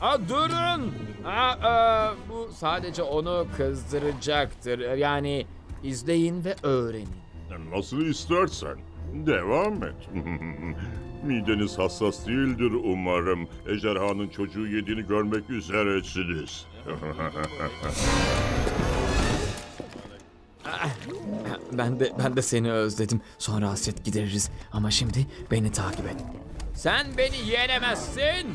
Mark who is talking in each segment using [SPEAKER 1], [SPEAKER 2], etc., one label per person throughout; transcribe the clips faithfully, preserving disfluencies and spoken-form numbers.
[SPEAKER 1] Aa, durun. Aa, aa, bu sadece onu kızdıracaktır. Yani izleyin ve öğrenin.
[SPEAKER 2] Nasıl istersen. Devam et. Mideniz hassas değildir umarım. Ejderhanın çocuğu yediğini görmek üzeresiniz.
[SPEAKER 1] Ben de ben de seni özledim. Sonra hasret gideririz. Ama şimdi beni takip et. Sen beni yenemezsin.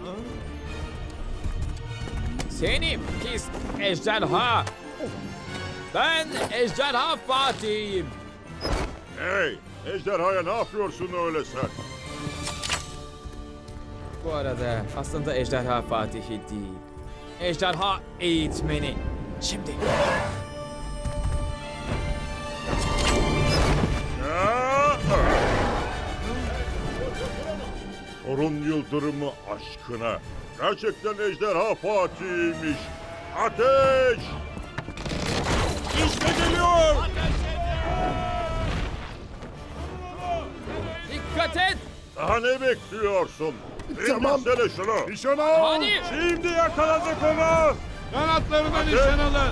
[SPEAKER 1] Seni pis ejderha. Ben ejderha Fatih'im.
[SPEAKER 2] Hey! Ejderhaya ne yapıyorsun öyle sen?
[SPEAKER 1] Bu arada aslında ejderha Fatih'i değil. Ejderha eğitmeni. Şimdi.
[SPEAKER 2] Orun yıldırımı aşkına. Gerçekten ejderha Fatih'miş. Ateş! İşte geliyor!
[SPEAKER 1] Dikkat et.
[SPEAKER 2] Daha ne bekliyorsun?
[SPEAKER 3] Tamam.
[SPEAKER 2] İndirsene şunu.
[SPEAKER 3] Nişan al.
[SPEAKER 1] Hadi.
[SPEAKER 3] Şimdi yakaladık onu. Kanatlarına nişan alın.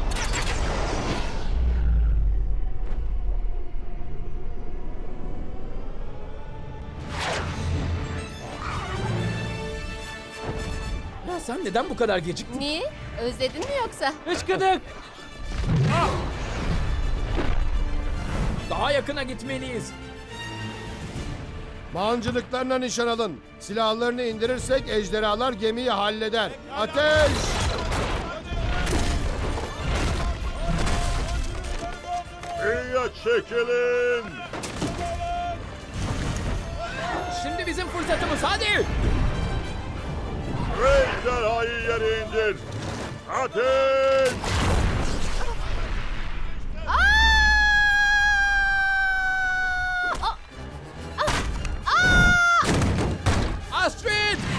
[SPEAKER 1] Ya sen neden bu kadar geciktin?
[SPEAKER 4] Niye? Özledin mi yoksa?
[SPEAKER 1] Hıçkıdık. Daha yakına gitmeliyiz.
[SPEAKER 3] Mancınıklarına nişan alın. Silahlarını indirirsek ejderhalar gemiyi halleder. Ateş!
[SPEAKER 2] İyiye çekilin.
[SPEAKER 1] Şimdi bizim fırsatımız, hadi.
[SPEAKER 2] Ejderhayı yere indir. Ateş!
[SPEAKER 1] Astrid!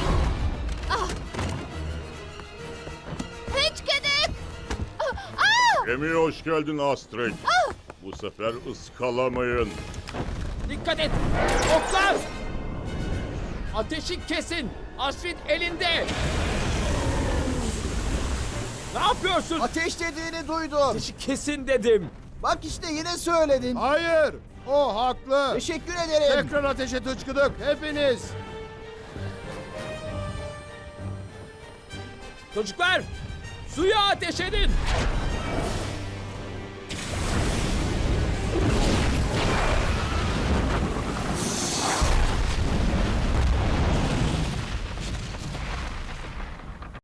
[SPEAKER 4] Hiç kedek! Aa!
[SPEAKER 2] Gemiye hoş geldin Astrid. Bu sefer ıskalamayın.
[SPEAKER 1] Dikkat et! Oklar! Ateşi kesin! Astrid elinde! Ne yapıyorsun?
[SPEAKER 5] Ateş dediğini duydum.
[SPEAKER 1] Ateşi kesin dedim.
[SPEAKER 5] Bak işte yine söyledin.
[SPEAKER 3] Hayır! O haklı.
[SPEAKER 5] Teşekkür ederim.
[SPEAKER 3] Tekrar ateşe tıçkıdık. Hepiniz.
[SPEAKER 1] Çocuklar! Suya ateş edin!